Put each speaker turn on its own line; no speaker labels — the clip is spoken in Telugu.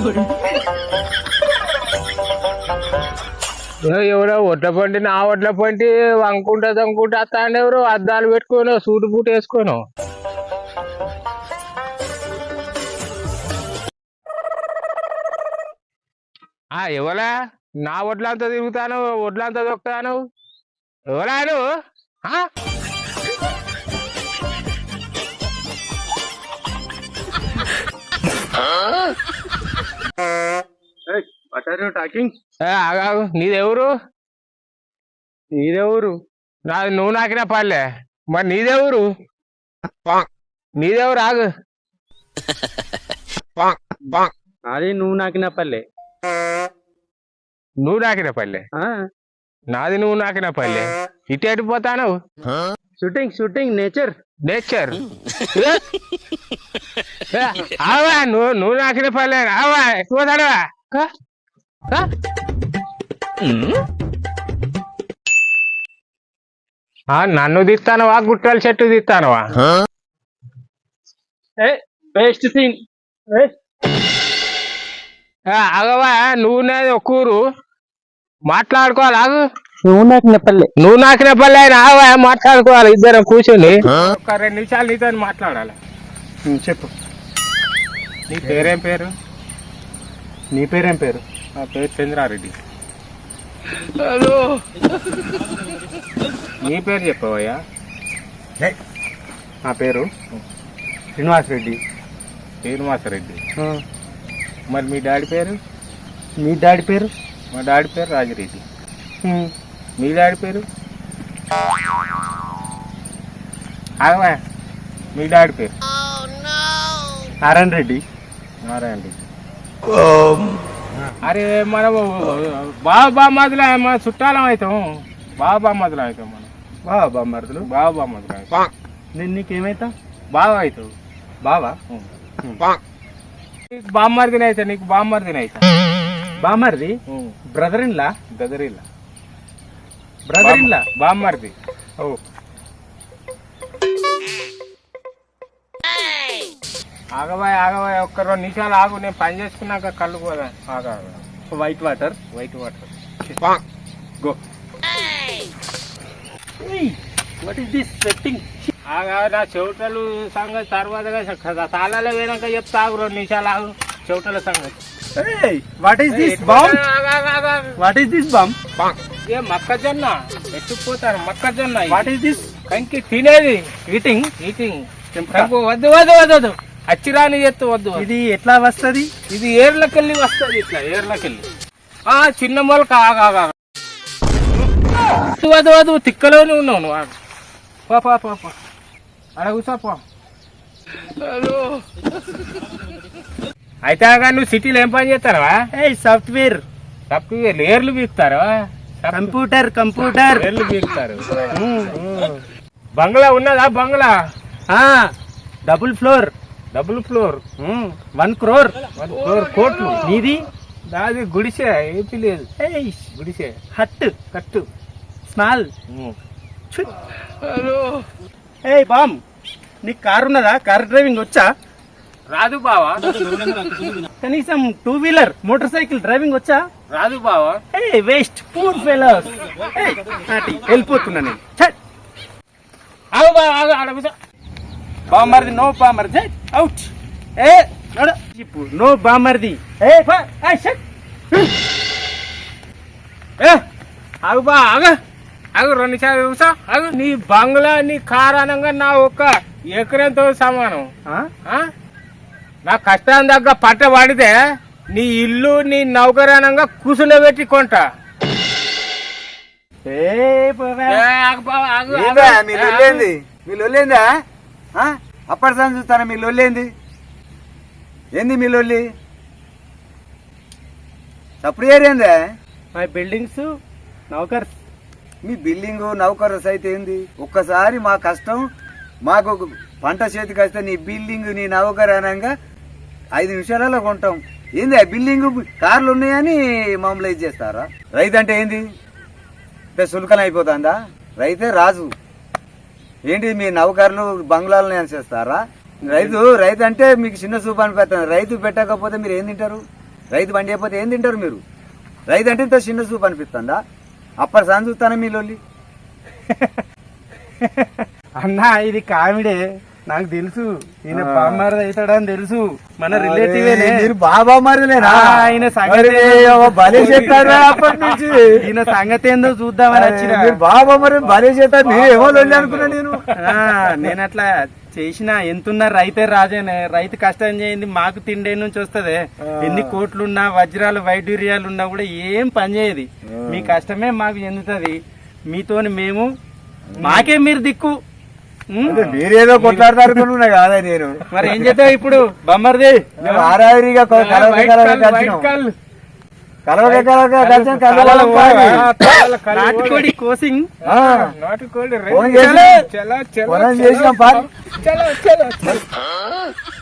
ఎవరో ఒడ్ల పంటి నా ఒడ్ల పంటి వంకుంటా తంకుంటా వస్తాండి. ఎవరు అద్దాలు పెట్టుకోను సూటు బూట్ వేసుకోను. ఎవరా నా ఒడ్లంతా తిరుగుతాను, ఒడ్లంతా దొక్కుతాను. ఎవరా నువ్వు? ఆగాగు. నీదెవరు? నాది నువ్వు నాకిన పల్లె. మరి నీదెవరు? నీదెవరు? ఆగు.
అది నువ్వు నాకిన పల్లె.
నువ్వు నాకిన పల్లె? నాది నువ్వు నాకిన పల్లె. ఇటు ఎడిపోతాను.
షూటింగ్ నేచర్
ఆవా. నువ్వు నాకిన పల్లె. ఆవా పోతాడవా? నన్ను తీస్తానవా? గుట్టల చెట్టు తీస్తానవా?
Best scene.
అగవా. నువ్వు నాది ఒక ఊరు మాట్లాడుకోవాలి. ఆగు.
నువ్వు నాకిన పల్లె
అయినా ఆవా మాట్లాడుకోవాలి. ఇద్దరం కూర్చొని ఒక 2 నిమిషాలు నీతో మాట్లాడాలి.
చెప్పు.
నీ పేరేం పేరు?
నీ పేరేం పేరు?
నా పేరు చంద్రారెడ్డి. నీ పేరు చెప్పవయ్యా.
నా పేరు శ్రీనివాసరెడ్డి.
మరి మీ డాడీ పేరు?
మీ డాడీ పేరు?
మా డాడీ పేరు రాజిరెడ్డి. మీ డాడీ పేరు? ఆగవా. మీ డాడీ పేరు?
నారాయణ రెడ్డి.
అరే మనం బాబామదులు మన చుట్టాలం అవుతాం. బాబామదులు అవుతాం మనం.
బాబామరుదులు
అవుతాం.
నేను నీకేమైతా?
బాగా అవుతావు.
బావా?
నీకు బామ్మర్దిని అవుతా. నీకు బామ్మర్దిని అవుతా.
బామర్ది? Brother in law?
బామ్మర్ది. ఆగవాయ్ ఒక్క 2 నిమిషాలు ఆగు. నేను పని చేసుకున్నాక కళ్ళు పోదా.
White water
go.
What is this sweating?
నా చెవిటలు సంగతి తర్వాత తాళాలే పోయినాక చెప్తా. ఆగు 2 నిమిషాలు ఆగు. చెవిటల సంగతి.
What is this bomb?
ఏ మొక్కజొన్న ఎత్తుకుపోతాను. మొక్కజొన్న.
What is this?
కంకి తినేది.
ఈటింగ్.
వద్దు అచ్చిరాని ఎత్తు వద్దు.
ఇది ఎట్లా వస్తది?
ఇది ఏర్లకెళ్ళి వస్తుంది. ఇట్లా ఏర్లకెళ్ళి చిన్న మొలక. వద్దు తిక్కలోనే ఉన్నావు నువ్వు. అడ కూర్చోపో. అయితే నువ్వు సిటీలో ఏం పని చేస్తారా?
సాఫ్ట్వేర్.
ఏర్లు బీక్తారా?
కంప్యూటర్
ఏర్లు బీక్తారు. బంగ్లా ఉన్నదా? బంగ్లా
డబుల్ ఫ్లోర్
1 crore కోట్లు.
నీది?
దాది గుడిసే. ఏపీ లేదు. గుడిసే. కట్టు
స్మాల్. బామ్, నీకు కారు ఉన్నదా? కార్ డ్రైవింగ్ వచ్చా?
రాదు బావా.
కనీసం 2 వీలర్ మోటార్ సైకిల్ డ్రైవింగ్ వచ్చా?
రాదు బావా.
Waste poor fellows. వెళ్ళిపోతున్నా నేను. బామర్ది. నో బామర్ది. అవుట్. నో బామర్ది.
ఆగు 2 నిమిషాలు చూసా. నీ బంగ్లా నీ కారు అనగా నా ఒక్క ఎకరంతో సమానం. నా కష్టాన్ని దగ్గర పట్ట పడితే నీ ఇల్లు నీ నౌకరానంగా కూసుండబెట్టి కొంటా.
మీ లొల్లేందా? అప్పటి సార్ చూస్తారా? మీ లొల్లేంది? ఏంది మీ లొల్లి? సప్పుడు ఏరేందా?
మై బిల్డింగ్స్ నౌకర్స్.
మీ బిల్డింగు నౌకర్స్ అయితే ఏంది? ఒక్కసారి మా కష్టం మాకు పంట చేతికి వస్తే నీ బిల్డింగ్ నీ నౌకర్ అనగా 5 నిమిషాలలో కొంటాం. ఏంది ఆ బిల్డింగ్ కార్లు ఉన్నాయని మమ్మల్ని ఇది చేస్తారా? రైతు అంటే ఏంది? సులకన అయిపోతుందా? రైతే రాజు. ఏంటి మీ నౌకర్లు బంగ్లాలను చేస్తారా? రైతు అంటే మీకు చిన్న చూపు అనిపిస్తుంది. రైతు పెట్టకపోతే మీరు ఏం తింటారు? రైతు బండి అయిపోతే ఏం తింటారు మీరు? రైతు అంటే ఇంత చిన్న చూపు అనిపిస్తుందా? అప్పటి సాయం చూస్తానా మీ లొల్లి?
అన్నా ఇది కామెడే, నాకు తెలుసు ఈయన బామ్మారిది అవుతాడని తెలుసు, మన రిలేటివేనే.
మీరు బాబా మరిలేనా?
ఆయన సంగతి
భలే చెప్పారు అప్పటి నుంచి.
ఈయన సంగతి ఏందో చూద్దామని వచ్చిన.
మీరు బాబా మరి భలే చెప్పారు, నేనేమో లొల్లి అనుకున్నా నేను.
నేను అట్లా చేసిన ఎంతున్నా రైతే రాజేనే. రైతు కష్టం చేయింది మాకు తిండే నుంచి వస్తదే. ఎన్ని కోట్లున్నా వజ్రాలు వైడూర్యాలు ఉన్నా కూడా ఏం పని చేయదు. మీ కష్టమే మాకు చెందుతుంది. మీతోని మేము, మాకే మీరు దిక్కు.
మీరేదో కొట్లాడతారుకున్నా కాదా నేను.
మరి ఏం చేద్దాం ఇప్పుడు బొమ్మరిది?
ఆరారిగా
నాటుకోడి కోసింగ్
నాటుకోడి
చేసినాం.
చలో చలో చలో చలో